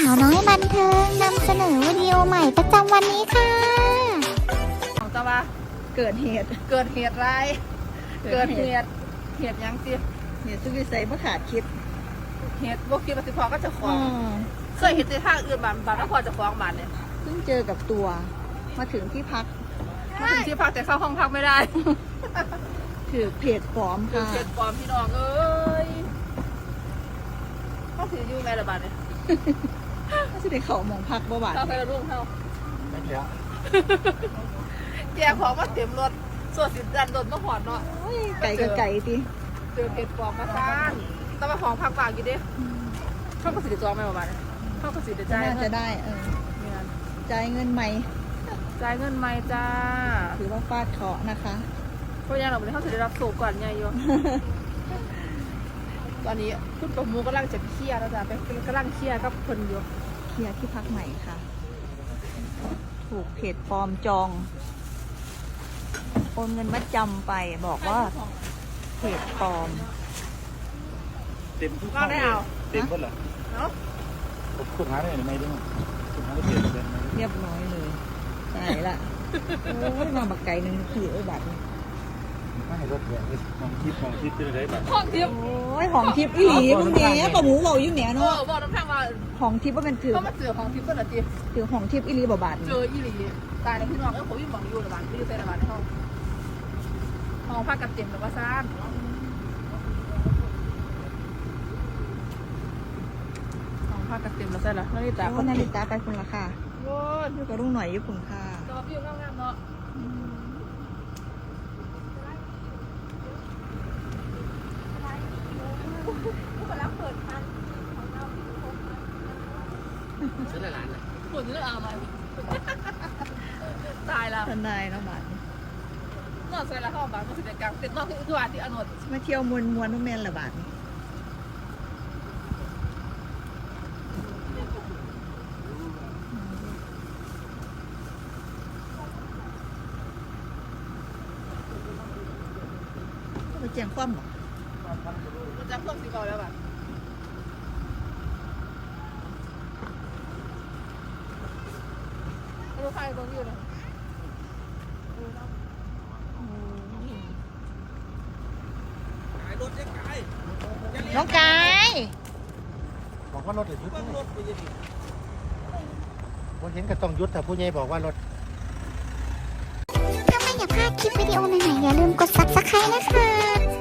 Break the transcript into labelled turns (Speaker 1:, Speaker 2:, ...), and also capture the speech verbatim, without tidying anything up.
Speaker 1: าวน้อยบันเทิงนำเสนอวิดีโอใหม่ประจำวันนี้ค่ะ
Speaker 2: ของตะวะ
Speaker 3: เกิดเหตุ
Speaker 2: เกิดเหตุร้ายเกิดเหตุเหตุยังจี
Speaker 3: เหตุสุวิสัยบ่ขาดคิด
Speaker 2: เหตุบวกคิดปฏิพอก็จะฟ้องเคยเห็นในทางอื่นบางบางก็พอจะฟ้องบ้านเนี่ย
Speaker 3: เพิ่งเจอกับตัวมาถึงที่พัก
Speaker 2: มาถึงที่พักแต่เข้าห้องพักไม่ได้
Speaker 3: ถือเพจปลอมค่ะ
Speaker 2: เพจปลอมพี่น้องเอ้ยเขาถืออยู่แม่ละบาทเนี่ย
Speaker 3: เขาจะได้เข่ามองพักบ่บาท
Speaker 2: เขาเคยรุ่งเขา
Speaker 4: ไม่เยอะ
Speaker 2: แจกของมาเต็มรถส่วนสินดันโดนมาหอดเนาะ
Speaker 3: ไก่กับไก่ดิ
Speaker 2: เจอเพจปลอมมาซ่านต้องมาของพักบางอยู่ดิเขาก็สิได้จองไหมประมาณนี้เขาก็สิได้จ่าย
Speaker 3: น่าจะได้เออจ่ายเงินใหม่
Speaker 2: จ่ายเงินใหม่จ้า
Speaker 3: ถือว่าฟาดเคราะห์นะคะ
Speaker 2: เพราะยังเราไม่ได้เขาจะได้รับโซ่ก่อนไงโยตอนนี้คุณประมูกำลังจะเคลียร์แล้วจ้ะไปกำลังเคลียร์กับคนอยู่
Speaker 3: เคลียร์ที่พักใหม่ค่ะถูกเพจปลอมจองโอนเงินมัดจำไปบอกว่าเพจปลอม
Speaker 4: เต็มทุกข้อเลยเต็มหมดเหรอเนาะผมขุดหาได้ไหมไม่ได้ขุดหาได้เต็มเลย
Speaker 3: เรียบร้อยเลยใช่ละโอ้ยมาบักไก่หนึ่งขี่ไอ้บัตร
Speaker 4: ไม่ให้รถแดงของทิพย์ของทิพย์จะได้แบบ
Speaker 2: ของทิพย์
Speaker 3: โอ้ยของทิพย์อีหลีมึงเนี้ยปลาหมูเบาอยู่เนี้ยเนาะ
Speaker 2: บอกน้ำแข็งว่า
Speaker 3: ของทิพย์ว่าเป็นถือ
Speaker 2: เขามาเจอของทิพย์เป็นอะไรจี
Speaker 3: ถือของทิพย์อีหลีบ่บาท
Speaker 2: เจออีหลีตายในพี่น้องเออผมยิ่งมองอยู่ระบาดไม่ได้ใส่ระบาดในห้องห้องพักกับเต็มแต่ว่าซ่านห้องพักกับเต็มแล้วใช่หรอนาฬิกา
Speaker 3: คนนาฬิกาไปคุณราคา
Speaker 2: โว้ย
Speaker 3: อยู่กับรุ่งหน่อยอยู่คุณค่ะ
Speaker 2: จอวิวงามๆเนาะ
Speaker 4: เสื้อหลานอ่ะ
Speaker 2: ปวดเนื้อเอาไหมตายแล้ว
Speaker 3: ทนายแล้วบาท
Speaker 2: นอนใส่ละเข้าบาทมาสิเด็กกลางเต็มนอกที่อุทวาที่อนุท
Speaker 3: มาเที่ยวมวนมวนนุ่มแมนละบาทไปแจ้งความหรอ
Speaker 2: มันจะเพิ่มสีเบาแล้วบาทดูใครตรงอยู่นะ
Speaker 3: น้องกาย
Speaker 4: บอกว่ารถยุดผมเห็นก็ต้องยุดแต่ผู้ใหญ่บอกว่ารถ
Speaker 1: ถ้าไม่อยากพลาดคลิปวิดีโอใหม่ๆอย่าลืมกดซับสไครต์นะคะ